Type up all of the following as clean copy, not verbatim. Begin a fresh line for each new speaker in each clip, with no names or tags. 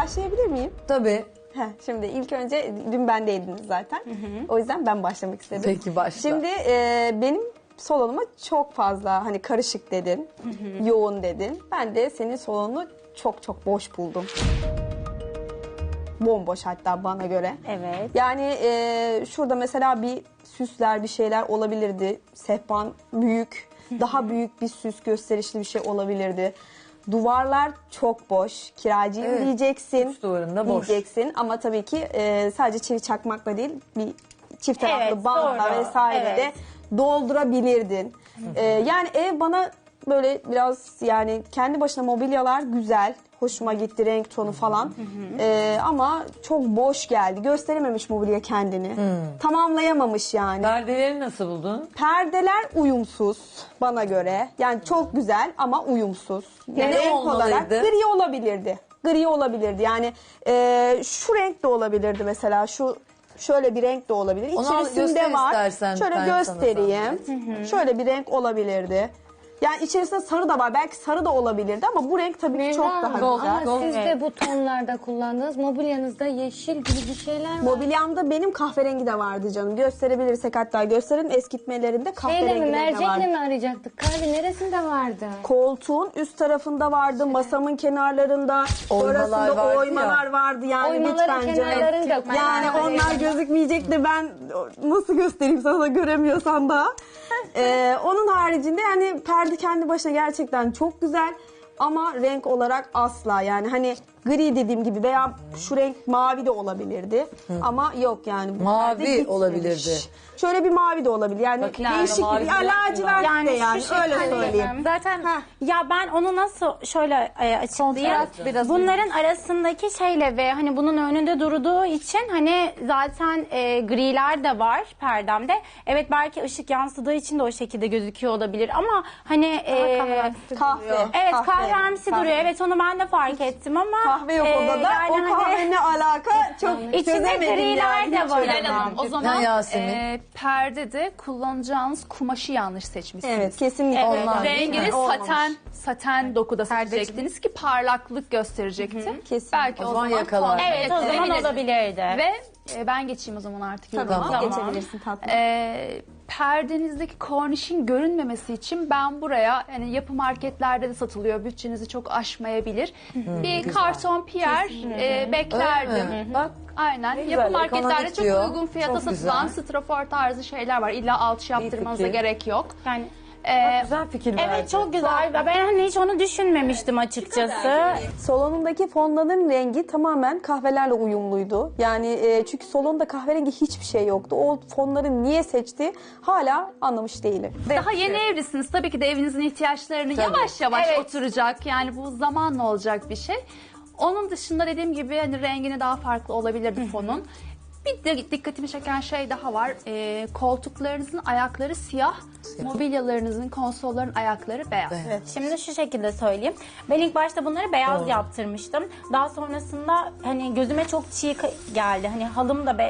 başlayabilir miyim?
Tabii.
Şimdi ilk önce dün bendeydiniz zaten. O yüzden ben başlamak istedim.
Peki başla.
Şimdi benim salonuma çok fazla hani karışık dedin, yoğun dedin. Ben de senin salonunu çok çok boş buldum. Bomboş hatta bana göre.
Evet.
Yani şurada mesela bir süsler, bir şeyler olabilirdi. Sehpan büyük, daha büyük bir süs, gösterişli bir şey olabilirdi. Duvarlar çok boş. Kiracıyım
Evet.
diyeceksin.
Üç duvarında boş.
Diyeceksin ama tabii ki sadece çivi çakmakla değil, bir çift taraflı
Evet,
bantla
doğru.
vesaire de
Evet.
doldurabilirdin. Yani ev bana böyle biraz yani kendi başına mobilyalar güzel. Hoşuma gitti renk tonu falan. Ama çok boş geldi. Gösterememiş mobilya kendini. Tamamlayamamış yani.
Perdeleri nasıl buldun?
Perdeler uyumsuz bana göre. Yani çok güzel ama uyumsuz. Yani
Ne
renk
olmalıydı?
olarak gri olabilirdi. Gri olabilirdi. Yani şu renk de olabilirdi mesela. Şöyle bir renk de olabilir.
Onu
İçerisinde
göster
var.
istersen,
Şöyle
ben sana
göstereyim. Şöyle bir renk olabilirdi. Yani içerisinde sarı da var. Belki sarı da olabilirdi ama bu renk tabii ki çok daha güzel.
Ama siz de bu tonlarda kullandınız. Mobilyanızda yeşil gibi bir şeyler var.
Mobilyamda benim kahverengi de vardı canım. Gösterebilirsek hatta gösterin. Eskitmelerinde
Şeyle
kahverengi
mi,
de
mercekle
vardı.
mi arayacaktık? Kahve neresinde vardı?
Koltuğun üst tarafında vardı, masamın kenarlarında,
Oymalar
orasında
vardı
oymalar vardı yani
Oymaların
lütfen canım.
kenarlarını da
Yani onlar gözükmeyecek de ben nasıl göstereyim sana da göremiyorsan da. Onun haricinde yani perde kendi başına gerçekten çok güzel ama renk olarak asla yani hani gri dediğim gibi veya şu renk mavi de olabilirdi ama yok yani. Bu
Mavi
perde gitmemiş.
olabilirdi.
Şöyle bir mavi de olabilir yani
Bakın,
değişik
mavi
bir
falan
lacivert
Yani
de
şu
yani öyle
şekilde.
söyleyeyim.
Zaten ya ben onu nasıl şöyle açıklayayım.
Kontrast biraz
Bunların arasındaki şeyle ve hani bunun önünde durduğu için hani zaten griler de var perdemde. Evet belki ışık yansıdığı için de o şekilde gözüküyor olabilir ama hani
Kahve.
evet kahvemsi duruyor. Evet onu ben de fark ettim ama
Kahve yok odada.
yani
O
hani
kahve ne alaka çok
içinde
çözemedim
griler
yani.
de var
Hilal
ama.
Hanım, o zaman
Yasemin?
perdede kullanacağınız kumaşı yanlış seçmişsiniz.
Evet kesinlikle.
Onlar değil mi?
Rengini
Olmamış.
saten dokuda seçecektiniz ki parlaklık gösterecekti.
Kesinlikle.
Belki
O
o
zaman
zaman
yakalar.
Evet o zaman olabilirdi.
Ve ben geçeyim o zaman artık.
Tabii
yoruma.
ki geçebilirsin tatlım.
Perdenizdeki kornişin görünmemesi için ben buraya yani yapı marketlerde de satılıyor. Bütçenizi çok aşmayabilir. Bir karton piyer beklerdim.
Öyle mi? Bak.
Aynen.
Ne
Yapı
güzel,
marketlerde
ekonomik
çok
diyor.
uygun fiyata
Çok
satılan
güzel.
strafor tarzı şeyler var. İlla alçı yaptırmanıza
fikir.
gerek yok.
Yani
Güzel fikir verdi.
evet çok güzel. Ben hani hiç onu düşünmemiştim açıkçası.
Salonundaki fondanın rengi tamamen kahvelerle uyumluydu. Yani çünkü salonda kahverengi hiçbir şey yoktu. O fonları niye seçti hala anlamış değilim.
Daha yeni evlisiniz. Tabii ki de evinizin ihtiyaçlarını yavaş yavaş oturacak. Yani bu zamanla olacak bir şey. Onun dışında dediğim gibi hani rengini daha farklı olabilirdi fonun. Bir de dikkatimi çeken şey daha var. Koltuklarınızın ayakları siyah, mobilyalarınızın, konsolların ayakları beyaz.
Şimdi şu şekilde söyleyeyim. Ben ilk başta bunları beyaz yaptırmıştım. Daha sonrasında hani gözüme çok çiğ geldi. Hani halım da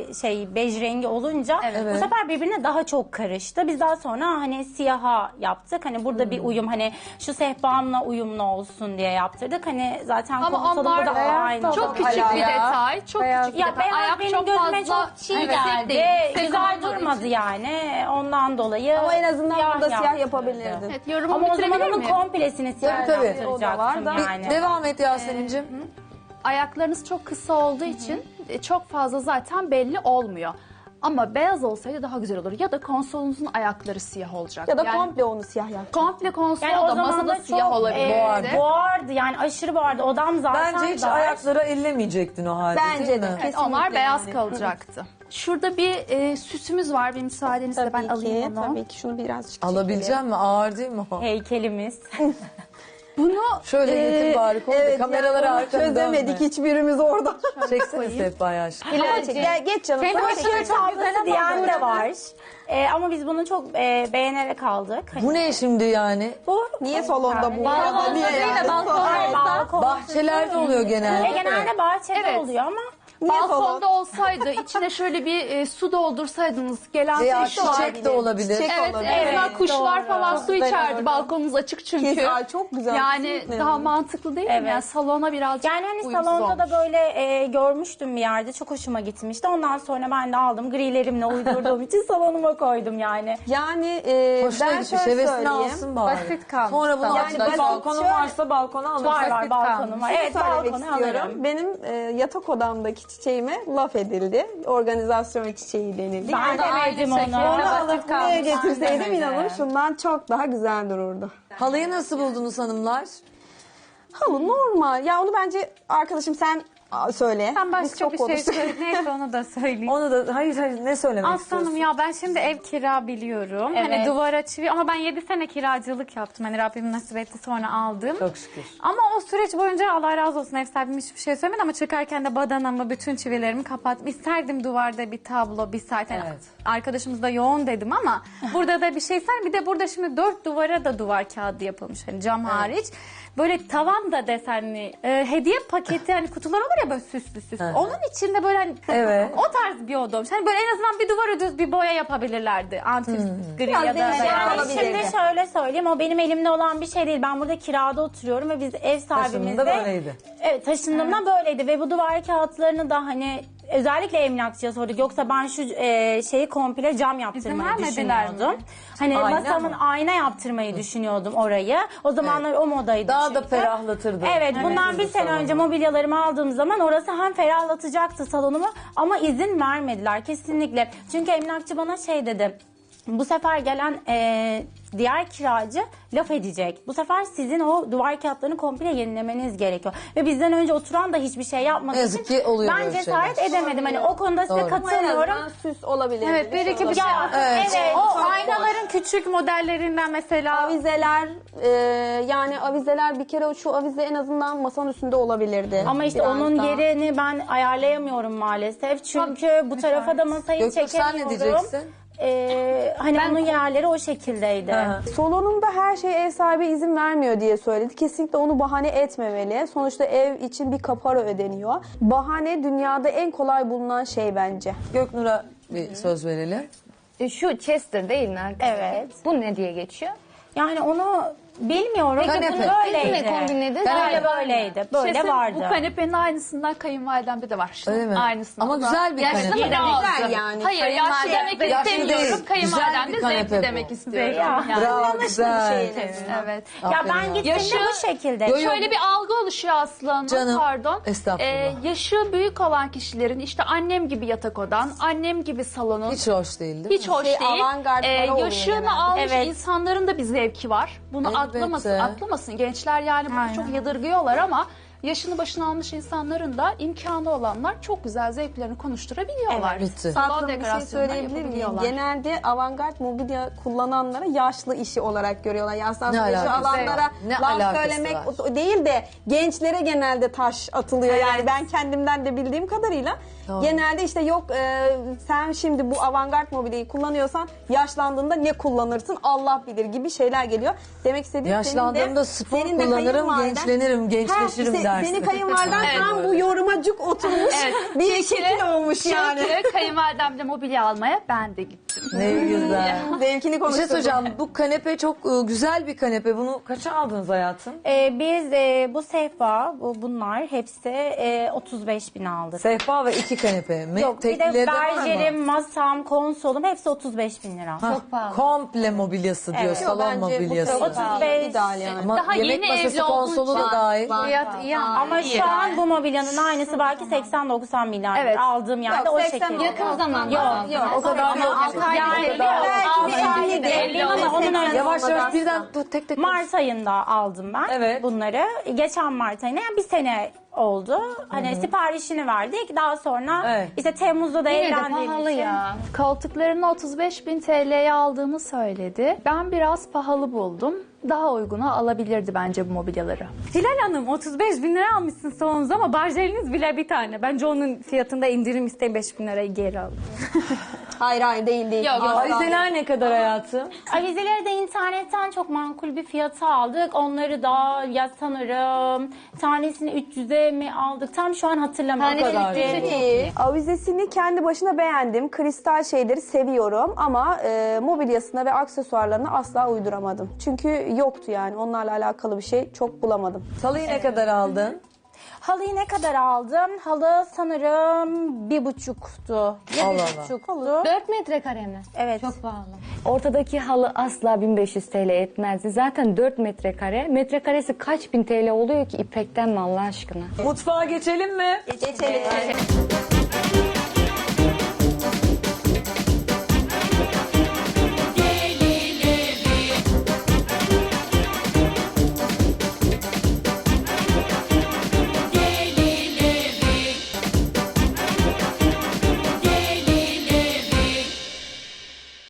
bej rengi olunca bu sefer birbirine daha çok karıştı. Biz daha sonra hani siyaha yaptık. Hani burada bir uyum hani şu sehpamla uyumlu olsun diye yaptırdık. Hani zaten
Ama
konsolum
onlar
da aynı.
çok küçük bir detay. Çok küçük bir
Ya
detay.
beyaz
Ayak
benim
çok
gözüme
fazla
çok çiğ
yüksek
geldi.
değil. Yüksek
Güzel
olmadığı
durmadı
için.
yani. Ondan dolayı
Ama en azından burada siyah
yaptırdı.
yapabilirdin.
Evet, yorumumu
Ama o zaman
bitirebilir
onun
miyim?
komplesini siyah
Tabii, tabii.
yaptıracaktım
O da var da.
yani.
Devam et Yasemin'cim.
Ayaklarınız çok kısa olduğu için çok fazla zaten belli olmuyor. Ama beyaz olsaydı daha güzel olur. Ya da konsolunuzun ayakları siyah olacak.
Ya da
Yani
komple onu siyah yap.
komple konsol
Yani o
da
zaman
masada
da
siyah
çok
olabilirdi.
boğardı yani aşırı boğardı. Odam zaten
Bence hiç
dar.
ayaklara ellemeyecektin o halde
Bence
değil
de.
mi?
Evet, onlar beyaz
yani.
kalacaktı. Şurada bir süsümüz var. Bir müsaadenizle ben alayım onu.
Tabii ki şunu birazcık
Alabileceğim mi? Ağır değil mi o?
Heykelimiz.
Bunu
Şöyle yakın bari koy da kameraları
yani onu
arkada
çözemedik
dönme.
hiçbirimiz orada.
Çeksene sehpayı aşkım.
Gel geç canım.
Hem
Bak,
ışığı tablası diyen de var. Ama biz bunu çok beğenerek aldık. Hani
Bu ne şimdi yani?
bu
Niye salonda bu?
Balkon
Niye yani?
balkon.
Bahçelerde oluyor genelde.
Genelde bahçede
Evet.
oluyor ama
Niye salon?
balkonda olsaydı, içine şöyle bir su doldursaydınız, gelen
Veya
su içerdi.
çiçek de olabilir.
Çiçek
Evet,
olabilir.
en azından kuşlar
doğru.
falan su içerdi. Balkonunuz açık çünkü.
Kes- Ay, çok güzel.
Yani
Kesinlikle
daha
yani.
mantıklı değil mi?
Evet.
Yani salona birazcık
Yani hani
uyumsuz
salonda da
olmuş.
böyle görmüştüm bir yerde. Çok hoşuma gitmişti. Ondan sonra ben de aldım. Grilerimle uydurduğum için salonuma koydum yani.
Yani
Hoşuna
ben
gitmiş.
şöyle
Hevesini
söyleyeyim.
alsın bari.
Basit kalmış
Sonra bunu
sana.
açacak.
basit-
Balkonun
şöyle-
varsa balkona alırsın.
Var balkonum var. Evet,
Söylemek
balkona
istiyorum.
alırım.
Benim yatak odamdaki çiçeğime laf edildi. Organizasyon çiçeği denildi.
Ben de verdim
şekilde
onu.
Onu
basit
alıp
kalmış.
buraya getirseydim
Aynen
inanın
öyle.
şundan çok daha güzel dururdu.
Halıyı nasıl buldunuz hanımlar?
Halı normal. Ya onu bence arkadaşım sen söyle.
Ben
Biz
başka
çok
bir şey
konuştuk.
söyleyeyim. Neyse onu da söyleyeyim.
Onu da hayır ne söylemek
Aslanım
istiyorsun?
ya ben şimdi ev kira biliyorum. Hani
Evet.
duvara çivi ama ben 7 sene kiracılık yaptım. Hani Rabbim nasip etti sonra aldım.
Çok şükür.
Ama o süreç boyunca Allah razı olsun ev sahibim hiçbir şey söylemedi ama çıkarken de badanamı bütün çivilerimi kapattım. İsterdim duvarda bir tablo bir saat. Yani
Evet.
arkadaşımız da yoğun dedim ama burada da bir şey ser. Bir de burada şimdi 4 duvara da duvar kağıdı yapılmış hani cam hariç. Böyle tavan da desenli hediye paketi hani kutular olur ya böyle süslü süslü.
Hı.
Onun içinde böyle hani
Evet.
o tarz bir oda olmuş. Hani böyle en azından bir duvara düz bir boya yapabilirlerdi. Antif gri
Biraz
ya da
değişik
beyaz.
olabilir.
Şimdi şöyle söyleyeyim, o benim elimde olan bir şey değil. Ben burada kirada oturuyorum ve biz ev
Taşınında
sahibimizle...
böyleydi.
Evet, taşındığımda böyleydi ve bu duvar kağıtlarını da hani özellikle emlakçıya sorduk. Yoksa ben şu şeyi komple cam yaptırmayı
vermediler
düşünüyordum.
mi?
Hani
Ayna
masamın
mı?
ayna yaptırmayı düşünüyordum orayı. O zamanlar o modaydı
Daha da
çünkü.
ferahlatırdı.
Evet, bundan bir sene önce mobilyalarımı aldığım zaman orası hem ferahlatacaktı salonumu ama izin vermediler kesinlikle. Çünkü emlakçı bana şey dedi. Bu sefer gelen diğer kiracı laf edecek. Bu sefer sizin o duvar kağıtlarını komple yenilemeniz gerekiyor. Ve bizden önce oturan da hiçbir şey yapmadığı
Ne yazık
için
ki oluyor
ben
böyle
cesaret
şeyler.
edemedim. Hani o konuda size
Doğru.
katılmıyorum.
Süs olabilir.
Evet bir iki bir şey.
Ya,
Evet.
evet.
O aynaların küçük modellerinden mesela
Avizeler yani avizeler bir kere şu avize en azından masanın üstünde olabilirdi.
Ama işte
Biraz
onun
daha.
yerini ben ayarlayamıyorum maalesef. Çünkü bu tarafa da masayı
Göktuğ sen
çekemiyorum.
ne diyeceksin?
Hani onun yerleri o şekildeydi.
Salonumda her şey ev sahibi izin vermiyor diye söyledi. Kesinlikle onu bahane etmemeli. Sonuçta ev için bir kapora ödeniyor. Bahane dünyada en kolay bulunan şey bence.
Göknur'a bir söz verelim.
Şu Chester değil mi arkadaşlar?
Evet.
Bu ne diye geçiyor?
Yani onu bilmiyorum.
Kanepe.
Bunu böyleydi.
Siz ne kombinlediniz?
Böyle böyleydi. Böyle
Kesin
vardı.
Bu kanepenin aynısından kayınvalidemde de var.
Öyle mi?
Aynısından.
Ama güzel bir
Yaşlı
kanepe.
mı demek?
Güzel yani.
Hayır yaşlı demek
Yaşlı
istemiyorum.
değil.
Kayınvalidem de
Güzel bir
zevkli
kanepe
demek
bu.
istiyorum.
Ya.
Yani.
Bravo güzel.
Evet.
Ya
Aferin
ben
ya.
gittiğimde
Yaşı-
bu şekilde.
Yo, yo.
Şöyle bir algı oluşuyor Aslı Hanım,
Canım,
pardon.
estağfurullah.
Yaşı büyük olan kişilerin işte annem gibi yatak odan, annem gibi salonun
Hiç hoş değil değil mi?
hiç hoş
Şey,
değil.
avantgardları oluyor
Yaşını
genelde.
almış
Evet.
insanların da bir zevki var. Bunu
Elbette.
atlamasın. Gençler yani bunu
Aynen.
çok yadırgıyorlar ama yaşını başına almış insanların da imkanı olanlar çok güzel zevklerini konuşturabiliyorlar.
Evet, bitti.
Salon
Tatlım bir şey
dekorasyonundan
söyleyebilir miyim?
yapabiliyorlar.
Genelde avantgard mobilya kullananlara yaşlı işi olarak görüyorlar. Yaşlı
Ne
yaşı
alakası
alanlara
var? Ne
laf
alakası
söylemek
var?
o değil de gençlere genelde taş atılıyor. Yani ben kendimden de bildiğim kadarıyla
Doğru.
genelde işte yok sen şimdi bu avantgard mobilyayı kullanıyorsan yaşlandığında ne kullanırsın Allah bilir gibi şeyler geliyor. Demek istediğim
Yaşlandığımda spor
senin de
kullanırım,
kayınvaliden-
gençlenirim, gençleşirim dersin.
Senin kayınvaliden
Evet.
tam bu yorumacık oturmuş bir şekil olmuş yani.
Çünkü kayınvalidemle mobilya almaya ben de gittim.
Ne güzel.
Zevkini
Bir şey
konuşturdum.
söyleyeceğim. Bu kanepe çok güzel bir kanepe. Bunu kaça aldınız hayatım?
Biz bu sehpa, bunlar hepsi 35 bin aldık.
Sehpa ve 2 kanepe mi?
Yok, bir de
Teklileri de var mı?
berjerim, masam, konsolum hepsi 35 bin lira.
Ha, komple mobilyası diyor.
Evet.
Salon
Bence bu
mobilyası.
çok
35
ideal yani.
Ama
Daha
yemek
yeni
masası
evli olduğu
konsolu da
için-
dahil.
fiyat iyi ama
Ama şu an bu mobilyanın aynısı belki 80-90 milyar.
Evet.
Aldığım yerde
Yok,
o
80
şekilde.
Yakın zamanda.
Yok
O kadar yok.
Yani
Belki
altı
de
aylık
50
evliyim ama onun öncesi.
Yavaş yavaş birden tek tek.
Mart ayında aldım ben
Evet.
bunları. Geçen Mart ayına yani bir sene oldu. Hani siparişini verdik. Daha sonra
Evet.
işte Temmuz'da da
Yine de
evlendiğim
pahalı
için.
ya.
Koltuklarını 35 bin TL'ye aldığını söyledi. Ben biraz pahalı buldum. Daha uyguna alabilirdi bence bu mobilyaları.
Hilal Hanım 35 bin lira almışsın salonunuza ama barjeliniz bile bir tane. Bence onun fiyatında indirim isteyin 5 bin lirayı geri alın.
Hayır değil.
Yok, avizeler ne kadar hayatım?
Avizeleri de internetten çok makul bir fiyata aldık. Onları da ya sanırım tanesini 300'e mi aldık? Tam şu an hatırlamıyorum.
İyi. Avizesini kendi başına beğendim. Kristal şeyleri seviyorum ama mobilyasına ve aksesuarlarına asla uyduramadım. Çünkü yoktu yani. Onlarla alakalı bir şey çok bulamadım.
Halıyı ne kadar aldın?
Halıyı ne kadar aldım? Halı sanırım 1,5'tu. Ya
Allah
1,5'tu.
4 metrekare mi?
Evet.
Çok pahalı.
Ortadaki halı asla 1500 TL etmezdi. Zaten 4 metrekare. Metrekaresi kaç bin TL oluyor ki ipekten mi Allah aşkına?
Mutfağa geçelim mi?
Geçelim.